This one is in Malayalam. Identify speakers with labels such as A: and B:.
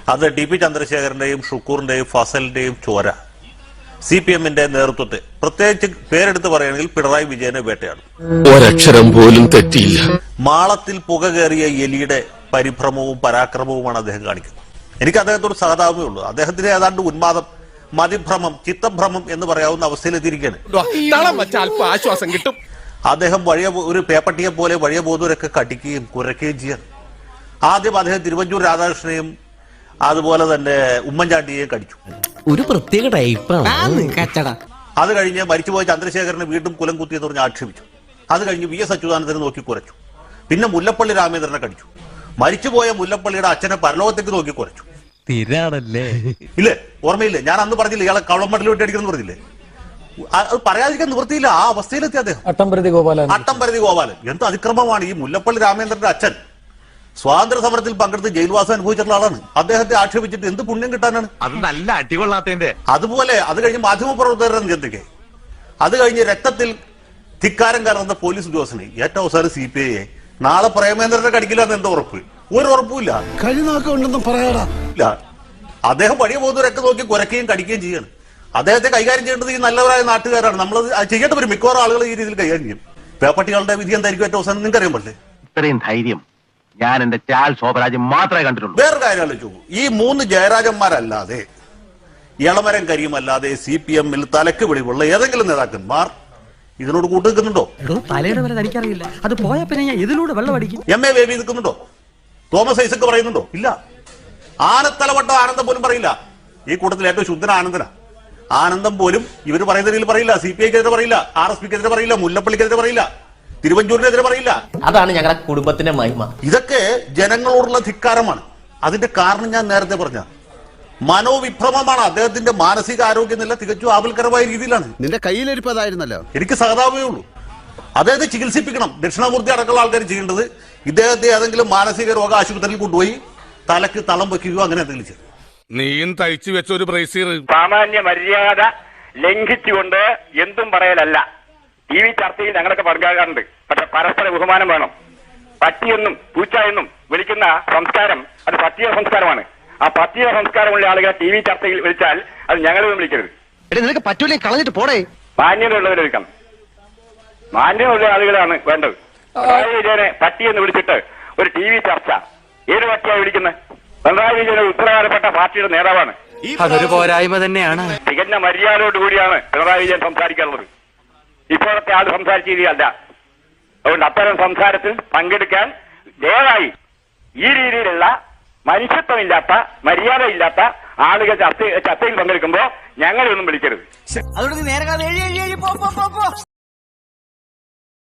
A: അത് ടി.പി. ചന്ദ്രശേഖരന്റെയും ഷുക്കൂറിന്റെയും ഫസലിന്റെയും ചോര CPM-ന്റെ നേതൃത്വത്തെ പ്രത്യേകിച്ച് പേരെടുത്ത് പറയുകയാണെങ്കിൽ പിണറായി വിജയനെ വേട്ടയാണ്.
B: ഒരക്ഷരം പോലും തെറ്റിയില്ല.
A: മാളത്തിൽ പുക കയറിയ എലിയുടെ പരിഭ്രമവും പരാക്രമവുമാണ് അദ്ദേഹം കാണിക്കുന്നത്. എനിക്ക് അദ്ദേഹത്തോട് സഹതാപമേ ഉള്ളൂ. അദ്ദേഹത്തിന് ഏതാണ്ട് ഉന്മാദം, മതിഭ്രമം, ചിത്തഭ്രമം എന്ന് പറയാവുന്ന അവസ്ഥയിലെത്തിയിരിക്കുകയാണ്.
B: ആശ്വാസം കിട്ടും.
A: അദ്ദേഹം ഒരു പേപ്പട്ടിയെ പോലെ വഴിയ ബോധൂരൊക്കെ കടിക്കുകയും കുരയ്ക്കുകയും ചെയ്യാൻ. ആദ്യം അദ്ദേഹം തിരുവഞ്ചൂർ രാധാകൃഷ്ണനെയും അതുപോലെ തന്നെ ഉമ്മൻചാണ്ടിയെയും കടിച്ചു.
C: ഒരു പ്രത്യേക ടൈപ്പാണ്.
A: അത് കഴിഞ്ഞ് മരിച്ചുപോയ ചന്ദ്രശേഖരനെ വീണ്ടും കുലം കുത്തിയെന്ന് പറഞ്ഞ് ആക്ഷേപിച്ചു. അത് കഴിഞ്ഞ് VS അച്യുതാനന്ദനെ നോക്കി കുരച്ചു. പിന്നെ മുല്ലപ്പള്ളി രാമേന്ദ്രനെ കടിച്ചു. മരിച്ചുപോയ മുല്ലപ്പള്ളിയുടെ അച്ഛനെ പരലോകത്തേക്ക് നോക്കി കുരച്ചു. ഇല്ലേ, ഓർമ്മയില്ലേ? ഞാൻ അന്ന് പറഞ്ഞില്ലേ ഇയാളെ കവളമടലിൽ വിട്ടടിക്കണം പറഞ്ഞില്ലേ? അത് പറയാതിരിക്കാൻ നിവൃത്തിയില്ല. ആ അവസ്ഥയിലെത്തി അദ്ദേഹം. അട്ടംപരതി ഗോപാലൻ എന്ത് അതിക്രമമാണ്! ഈ മുല്ലപ്പള്ളി രാമേന്ദ്രന്റെ അച്ഛൻ സ്വാതന്ത്ര്യ സമരത്തിൽ പങ്കെടുത്ത് ജയിൽവാസം അനുഭവിച്ചിട്ടുള്ള ആളാണ്. അദ്ദേഹത്തെ ആക്ഷേപിച്ചിട്ട് എന്ത് പുണ്യം കിട്ടാനാണ്?
D: അത് നല്ല അടികൊള്ളാത്തതിന്റെ.
A: അതുപോലെ അത് കഴിഞ്ഞ് മാധ്യമപ്രവർത്തകരുടെ ചിന്തയ്ക്ക്, അത് കഴിഞ്ഞ് രക്തത്തിൽ ധിക്കാരം കലർന്ന പോലീസ് ഉദ്യോഗസ്ഥനെ ഏറ്റവും അവസാനം CPI നാളെ പ്രേമേന്ദ്രനെ കടിക്കില്ല എന്ന് എന്താ ഉറപ്പ്? ഒരു ഉറപ്പുമില്ല. ഇല്ല. അദ്ദേഹം വഴിയ പോകുന്നവരൊക്കെ നോക്കി കുരയ്ക്കുകയും കടിക്കുകയും ചെയ്യാണ്. അദ്ദേഹത്തെ കൈകാര്യം ചെയ്യേണ്ടത് ഈ നല്ലവരായ നാട്ടുകാരാണ്. നമ്മൾ ചെയ്യേണ്ട വരും. മിക്കവാറും ആളുകൾ ഈ രീതിയിൽ കൈകാര്യം ചെയ്യും. പേപ്പട്ടികളുടെ വിധി എന്തായിരിക്കും ഏറ്റവും അവസാനം നിങ്ങൾക്ക് അറിയാൻ പറ്റില്ലേ?
D: ഇത്രയും ധൈര്യം ഞാൻ എന്റെ ചാൽ ശോഭരാജ് മാത്രമേ കണ്ടിട്ടുള്ളൂ.
A: വേറൊരു കാര്യം ആലോചിച്ചു, ഈ 3 ജയരാജന്മാരല്ലാതെ, ഇളമരം കരിയുമല്ലാതെ CPM-ൽ തലക്ക് വെളിവുള്ള ഏതെങ്കിലും നേതാക്കന്മാർ ഇതിനോട് കൂട്ടുനിൽക്കുന്നുണ്ടോ?
C: തലയുടെ വരെ തനിക്കറിയില്ല. അത് പോയാ പിന്നെ ഞാൻ ഇതിലൂടെ വെള്ളം അടിക്കും.
A: MA ബേബി നിൽക്കുന്നുണ്ടോ? തോമസ് ഐസക് പറയുന്നുണ്ടോ? ഇല്ല. ആനത്തലവട്ട ആനന്ദം പോലും പറയില്ല. ഈ കൂട്ടത്തിൽ ഏറ്റവും ശുദ്ധന ആനന്ദന. ആനന്ദം പോലും ഇവർ പറയുന്നതിൽ പറയില്ല. CPI-ക്കെതിരെ പറയില്ല, RSP-ക്കെതിരെ പറയില്ല, മുല്ലപ്പള്ളിക്കെതിരെ പറയില്ല, തിരുവഞ്ചൂരിനെതിരെ പറയില്ല.
C: അതാണ് ഞങ്ങളുടെ കുടുംബത്തിന്റെ മഹിമ.
A: ഇതൊക്കെ ജനങ്ങളോടുള്ള ധിക്കാരമാണ്. അതിന്റെ കാരണം ഞാൻ നേരത്തെ പറഞ്ഞ മനോവിഭ്രമമാണ്. അദ്ദേഹത്തിന്റെ മാനസിക ആരോഗ്യനില തികച്ചും ആപൽക്കരമായ രീതിയിലാണ്.
E: നിന്റെ കയ്യിലിരിപ്പതായിരുന്നല്ലോ.
A: എനിക്ക് സഹതാപമേ ഉള്ളൂ. അദ്ദേഹത്തെ ചികിത്സിപ്പിക്കണം. ദക്ഷിണാമൂർത്തി അടക്കമുള്ള ആൾക്കാർ ചെയ്യേണ്ടത് ഇദ്ദേഹത്തെ ഏതെങ്കിലും മാനസിക രോഗ ആശുപത്രിയിൽ കൊണ്ടുപോയി തലക്ക് തളം വെക്കുകയോ അങ്ങനെ എന്തെങ്കിലും ചെയ്യും.
B: നീയും തയ്ച്ചു വെച്ച ഒരു ബ്രേസീർ
F: സാമാന്യ മര്യാദ ലംഘിച്ചുകൊണ്ട് എന്തും പറയലല്ല. TV ചർച്ചയിൽ ഞങ്ങളൊക്കെ പങ്കാകാറുണ്ട്. പക്ഷെ പരസ്പര ബഹുമാനം വേണം. പട്ടിയെന്നും പൂച്ച എന്നും വിളിക്കുന്ന സംസ്കാരം അത് പട്ടിയ സംസ്കാരമാണ്. ആ പട്ടിയ സംസ്കാരമുള്ള ആളുകളെ TV ചർച്ചയിൽ വിളിച്ചാൽ അത് ഞങ്ങളൊന്നും വിളിക്കരുത്.
E: നിനക്ക് പറ്റൂലേ, കളഞ്ഞിട്ട് പോടേ.
F: മാന്യതയുള്ളവരെ വിളിക്കണം. മാന്യമുള്ള ആളുകളാണ് വേണ്ടത്. പിണറായി വിജയനെ പട്ടിയെന്ന് വിളിച്ചിട്ട് ഒരു TV ചർച്ച ഏത് പട്ടിയാണ് വിളിക്കുന്നത്? പിണറായി വിജയൻ ഉത്തരവാദപ്പെട്ട പാർട്ടിയുടെ നേതാവാണ്.
D: അതൊരു പോരായ്മ തന്നെയാണ്.
F: തികഞ്ഞ മര്യാദയോടുകൂടിയാണ് പിണറായി വിജയൻ സംസാരിക്കാറുള്ളത്. ഇപ്പോഴത്തെ ആൾ സംസാരിച്ച രീതിയല്ല. അതുകൊണ്ട് അത്തരം സംസാരത്തിൽ പങ്കെടുക്കാൻ ദയവായി ഈ രീതിയിലുള്ള മനുഷ്യത്വമില്ലാത്ത, മര്യാദയില്ലാത്ത ആളുകൾ ചർച്ചയിൽ പങ്കെടുക്കുമ്പോൾ ഞങ്ങളെയൊന്നും വിളിക്കരുത്.